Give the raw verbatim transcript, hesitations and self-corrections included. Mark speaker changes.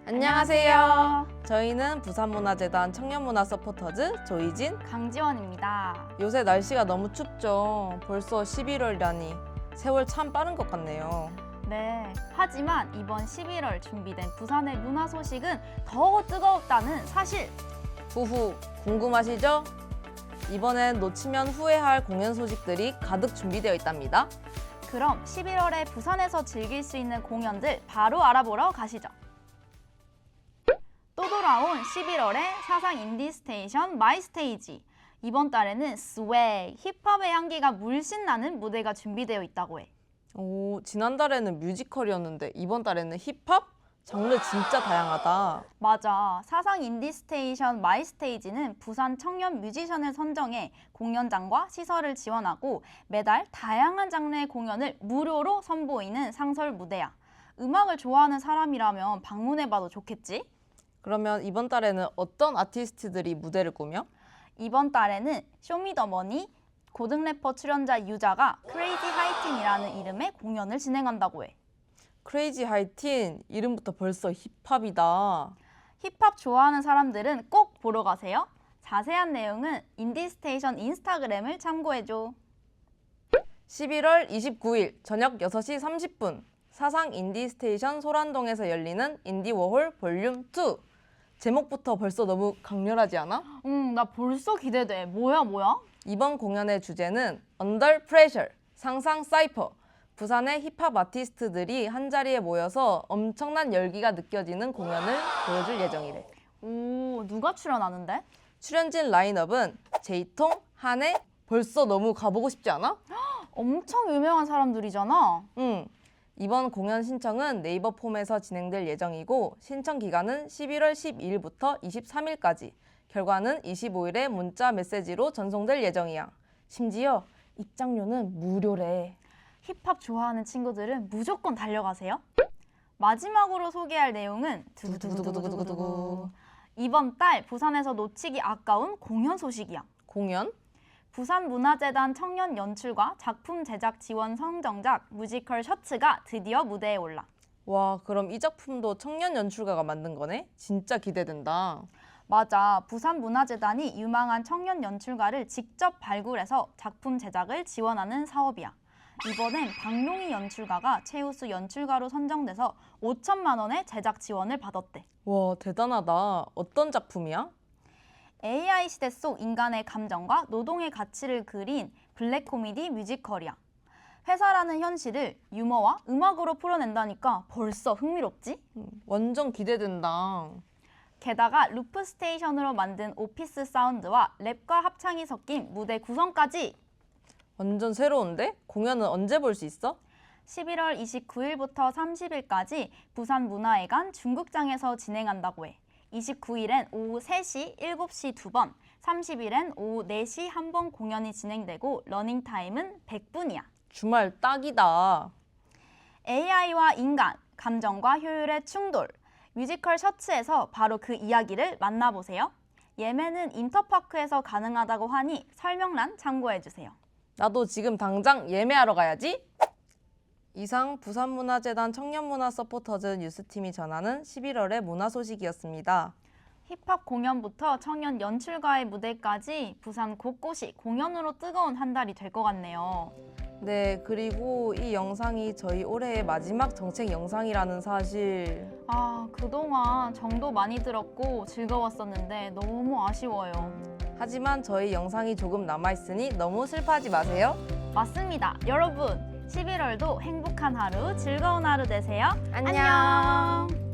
Speaker 1: 안녕하세요. 저희는 부산문화재단 청년문화 서포터즈 조이진,
Speaker 2: 강지원입니다.
Speaker 1: 요새 날씨가 너무 춥죠. 벌써 십일월이라니 세월 참 빠른 것 같네요.
Speaker 2: 네, 하지만 이번 십일월 준비된 부산의 문화 소식은 더 뜨거웠다는 사실.
Speaker 1: 후후, 궁금하시죠? 이번엔 놓치면 후회할 공연 소식들이 가득 준비되어 있답니다.
Speaker 2: 그럼 십일월에 부산에서 즐길 수 있는 공연들 바로 알아보러 가시죠. 또 돌아온 십일월의 사상 인디 스테이션 마이 스테이지. 이번 달에는 스웨이, 힙합의 향기가 물씬 나는 무대가 준비되어 있다고 해.
Speaker 1: 오, 지난달에는 뮤지컬이었는데 이번 달에는 힙합? 장르 진짜 다양하다.
Speaker 2: 맞아. 사상 인디 스테이션 마이 스테이지는 부산 청년 뮤지션을 선정해 공연장과 시설을 지원하고 매달 다양한 장르의 공연을 무료로 선보이는 상설 무대야. 음악을 좋아하는 사람이라면 방문해봐도 좋겠지?
Speaker 1: 그러면 이번 달에는 어떤 아티스트들이 무대를 꾸며?
Speaker 2: 이번 달에는 쇼미더머니, 고등 래퍼 출연자 유자가 크레이지 하이틴이라는 이름의 공연을 진행한다고 해.
Speaker 1: 크레이지 하이틴, 이름부터 벌써 힙합이다.
Speaker 2: 힙합 좋아하는 사람들은 꼭 보러 가세요. 자세한 내용은 인디스테이션 인스타그램을 참고해줘.
Speaker 1: 십일월 이십구일 저녁 여섯 시 삼십 분 사상 인디스테이션 소란동에서 열리는 인디워홀 볼륨 투. 제목부터 벌써 너무 강렬하지 않아?
Speaker 2: 응, 나 벌써 기대돼. 뭐야, 뭐야?
Speaker 1: 이번 공연의 주제는 Under Pressure, 상상 사이퍼. 부산의 힙합 아티스트들이 한자리에 모여서 엄청난 열기가 느껴지는 공연을 보여줄 예정이래.
Speaker 2: 오, 누가 출연하는데?
Speaker 1: 출연진 라인업은 제이통, 한혜. 벌써 너무 가보고 싶지 않아?
Speaker 2: 엄청 유명한 사람들이잖아.
Speaker 1: 응. 이번 공연 신청은 네이버 폼에서 진행될 예정이고 신청 기간은 십일월 십이일부터 이십삼일까지. 결과는 이십오일에 문자 메시지로 전송될 예정이야. 심지어 입장료는 무료래.
Speaker 2: 힙합 좋아하는 친구들은 무조건 달려가세요. 마지막으로 소개할 내용은 두두두두두두두두. 이번 달 부산에서 놓치기 아까운 공연 소식이야.
Speaker 1: 공연?
Speaker 2: 부산문화재단 청년 연출과 작품 제작 지원 선정작 뮤지컬 셔츠가 드디어 무대에 올라.
Speaker 1: 와, 그럼 이 작품도 청년 연출가가 만든 거네? 진짜 기대된다.
Speaker 2: 맞아. 부산문화재단이 유망한 청년 연출가를 직접 발굴해서 작품 제작을 지원하는 사업이야. 이번엔 박용희 연출가가 최우수 연출가로 선정돼서 오천만 원의 제작 지원을 받았대.
Speaker 1: 와, 대단하다. 어떤 작품이야?
Speaker 2: 에이아이 시대 속 인간의 감정과 노동의 가치를 그린 블랙 코미디 뮤지컬이야. 회사라는 현실을 유머와 음악으로 풀어낸다니까 벌써 흥미롭지?
Speaker 1: 음, 완전 기대된다.
Speaker 2: 게다가 루프 스테이션으로 만든 오피스 사운드와 랩과 합창이 섞인 무대 구성까지.
Speaker 1: 완전 새로운데? 공연은 언제 볼 수 있어?
Speaker 2: 십일월 이십구일부터 삼십일까지 부산문화회관 중국장에서 진행한다고 해. 이십구일엔 오후 세 시, 일곱 시 두 번, 삼십일엔 오후 네 시 한 번 공연이 진행되고 러닝타임은 백 분이야.
Speaker 1: 주말 딱이다.
Speaker 2: 에이아이와 인간, 감정과 효율의 충돌. 뮤지컬 셔츠에서 바로 그 이야기를 만나보세요. 예매는 인터파크에서 가능하다고 하니 설명란 참고해주세요.
Speaker 1: 나도 지금 당장 예매하러 가야지. 이상 부산문화재단 청년문화 서포터즈 뉴스팀이 전하는 십일월의 문화 소식이었습니다.
Speaker 2: 힙합 공연부터 청년 연출가의 무대까지 부산 곳곳이 공연으로 뜨거운 한 달이 될 것 같네요.
Speaker 1: 네, 그리고 이 영상이 저희 올해의 마지막 정책 영상이라는 사실.
Speaker 2: 아, 그동안 정도 많이 들었고 즐거웠었는데 너무 아쉬워요.
Speaker 1: 하지만 저희 영상이 조금 남아있으니 너무 슬퍼하지 마세요.
Speaker 2: 맞습니다. 여러분, 십일월도 행복한 하루, 즐거운 하루 되세요.
Speaker 1: 안녕.
Speaker 2: 안녕.